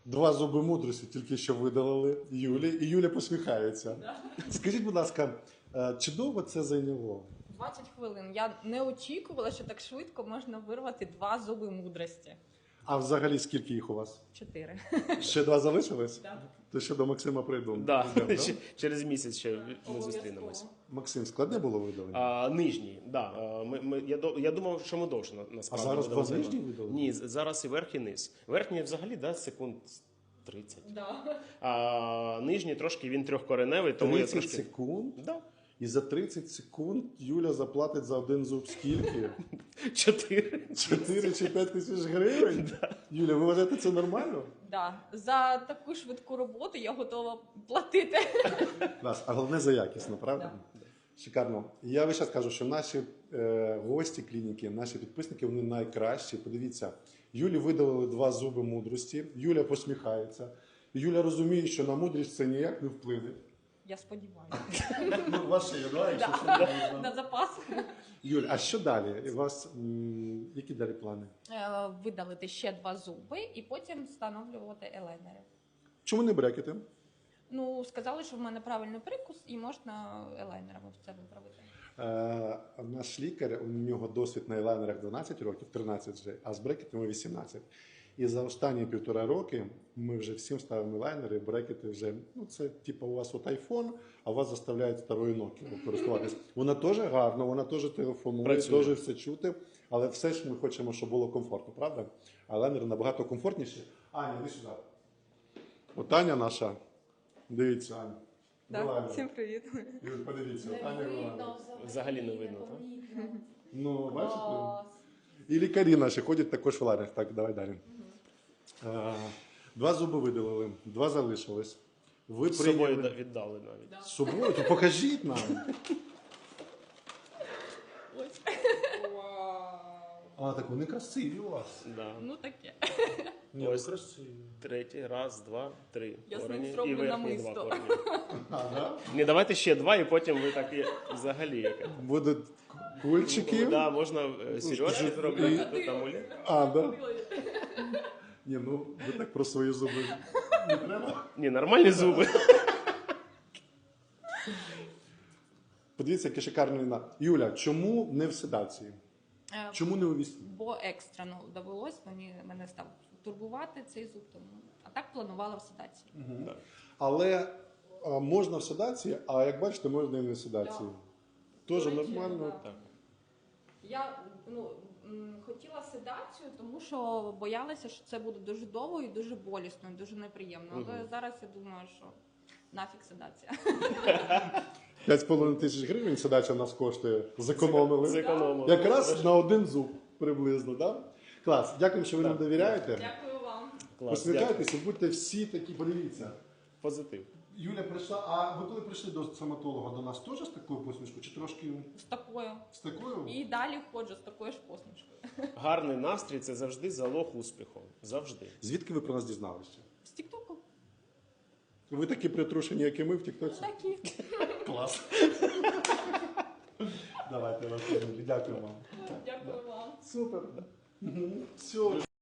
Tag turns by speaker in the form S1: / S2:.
S1: 2 зуби мудрості тільки що видалили Юлі, і Юля посміхається. Скажіть, будь ласка, чи довго це зайняло?
S2: 20 хвилин. Я не очікувала, що так швидко можна вирвати 2 зуби мудрості.
S1: А взагалі скільки їх у вас?
S2: 4.
S1: Ще 2 залишились?
S2: Так.
S1: То ще до Максима прийду.
S3: Да.
S1: Йдемо, да?
S3: Через місяць ще ми зустрінемось.
S1: Максим, складне було видалення?
S3: Нижній, да. Я думав, що ми довше насправді.
S1: А зараз
S3: будемо
S1: 2 нижні
S3: займати.
S1: видали?
S3: Ні, зараз і верх, і низ. Верхній взагалі, да, секунд 30.
S2: Да.
S3: А нижній трошки він трьохкореневий, тому
S1: 30
S3: я трошки...
S1: секунд?
S3: Да.
S1: І за 30 секунд Юля заплатить за один зуб скільки?
S3: 4.
S1: 4 чи 5 тисяч гривень? Юля, ви вважаєте це нормально?
S2: Да. За таку швидку роботу я готова платити.
S1: Клас. А головне за якісно, правда?
S2: Да.
S1: Шикарно. Я весь час кажу, що наші гості клініки, наші підписники, вони найкращі. Подивіться, Юлі видалили 2 зуби мудрості, Юля посміхається. Юля розуміє, що на мудрість це ніяк не вплине.
S2: Я сподіваюся.
S1: Ну, у вас ще є, да, якщо що
S2: На
S1: можна.
S2: запас.
S1: Юль, а що далі? У вас які далі плани?
S2: Видалити ще 2 зуби і потім встановлювати елайнери.
S1: Чому не брекети?
S2: Ну, сказали, що в мене правильний прикус і можна елайнерами це виправити.
S1: Наш лікар, у нього досвід на елайнерах 12 років, 13 вже, а з брекетами 18. І за останні 1,5 роки ми вже всім ставимо елайнери, брекети вже, ну це типу у вас от iPhone, а вас заставляють старою Nokia користуватись. Вона теж гарна, вона теж телефонує,
S3: Працює.
S1: теж все чути, але все ж ми хочемо, щоб було комфортно, правда? А елайнери набагато комфортніші. Аня, іди сюди. От Аня наша, дивіться, Аня. Елайнер.
S2: Всім привіт.
S1: Юль, подивіться, от Аня елайнер.
S3: Взагалі не видно, так?
S1: Ну, бачите? І лікарі наші ходять також в ларях. Так, давай далі. 2 зуби видалили, 2 залишилось. Ви
S3: З собою
S1: прийняли...
S3: віддали навіть.
S1: З собою? То покажіть нам.
S2: Ось.
S1: А, так вони красиві у вас.
S3: Да.
S2: Ну таке.
S1: Ні,
S3: Ось.
S1: красиві.
S3: Третій, раз, два, 3.
S2: Я з ним
S3: корені.
S2: зроблю
S3: І верхні
S2: намисто.
S3: 2 корені.
S1: Ага.
S3: Ні, давайте ще 2, і потім ви так і взагалі яке.
S1: Будуть кульчики.
S3: Да, можна сережки зробити, тут амулет.
S1: А, да? Ні, ну ви так про свої зуби не треба.
S3: Ні, нормальні зуби.
S1: Подивіться, яке шикарне вина. Юля, чому не в седації? Чому не у вісні?
S2: Бо екстрено довелось, мене став турбувати цей зуб, тому. А так планувала в седації.
S1: Але можна в седації, а як бачите, можна і не в седації. Теж
S2: До речі,
S1: нормально.
S2: да. Я хотіла седацію, тому що боялася, що це буде дуже довго і дуже болісно, і дуже неприємно. Але зараз я думаю, що нафіг седація.
S1: 5,5 тисяч гривень седача нас коштує. Зекономили.
S3: Зекономили.
S1: Якраз на один зуб приблизно, так? Клас. Дякую, що ви нам довіряєте.
S2: Дякую вам.
S3: Клас,
S1: Посміхайтеся, будьте всі такі, подивіться.
S3: Позитив.
S1: Юля прийшла, а ви коли прийшли до стоматолога, до нас теж з такою посмішкою? Чи трошки
S2: З такою.
S1: з такою?
S2: І далі ходжу з такою ж посмішкою.
S3: Гарний настрій – це завжди залог успіху. Завжди.
S1: Звідки ви про нас дізналися?
S2: З тіктоку.
S1: Ви такі притрушені, як і ми в тіктоці?
S2: Такі.
S1: Клас. Давайте, Василь, дякую вам.
S2: Дякую вам.
S1: Супер. Все.